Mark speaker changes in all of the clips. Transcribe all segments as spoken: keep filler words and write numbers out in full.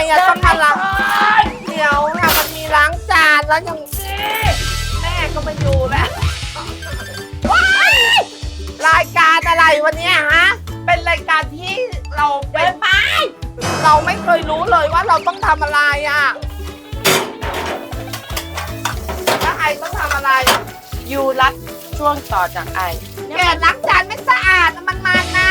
Speaker 1: อะต้องมาล้างเดี๋ยวค่ะมันมีล้างจานแล้วยังแม่ก็มาอยู่แล้วรายการอะไรวันนี้ฮะเป็นรายการที่เราเป็นไปเราไม่เคยรู้เลยว่าเราต้องทำอะไรอ่ะแล้วไอต้องทำอะไร
Speaker 2: ยูรัดช่วงต่อจากไอ
Speaker 1: แกล้างจานไม่สะอาดมันมันนะ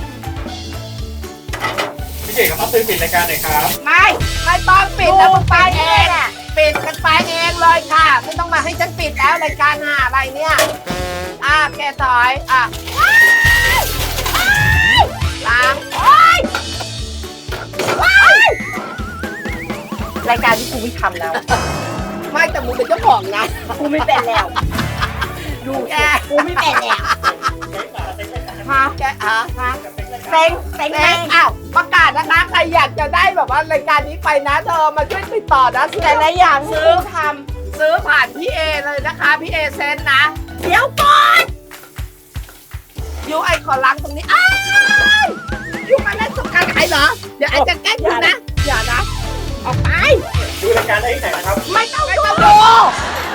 Speaker 3: พี่เก๋ครับซื้อปิดรายการหน่อยครับ
Speaker 1: ไม่ไม่ต้องปิดแล้วมึงไปเองปิดกันไปเองเลยค่ะไม่ต้องมาให้ฉันปิดแล้วรายการหาอะไรเนี่ยอ่ะแกถอยอ่ะล้างโอ๊ย
Speaker 2: รายการที่กูไม่ทำแล้ว
Speaker 1: ไม่แต่มึงเป็นเจ้าของนะ
Speaker 2: กูไม่เป็นแล้ว
Speaker 1: ดูแก
Speaker 2: กูไม่เป็นแล้ว
Speaker 1: ฮะแกอ่ะฮะ
Speaker 2: เซ็งเซ็ง
Speaker 1: แม่อ้าวประกาศนะคะใครอยากจะได้แบบว่ารายการนี้ไปนะเธอมาช่วยติดต่อนะซื้อ
Speaker 2: แต่ละอย่างที่
Speaker 1: ซื้อ
Speaker 2: กูท
Speaker 1: ซื้อผ่านพี่เอเลยนะคะพี่เอเซนนะ
Speaker 2: ำเดี๋ยวก่อน
Speaker 1: ยูไอขอล้างตรงนี้อ้าวยูมาเล่นสงกรารใครเหรอเดี๋ยวไอจะแกล้งยูนะอย่านะออกไป
Speaker 3: ดูรายการได้ที่ไหนนะครับ
Speaker 1: ไม่ต้องไม่ต้องดู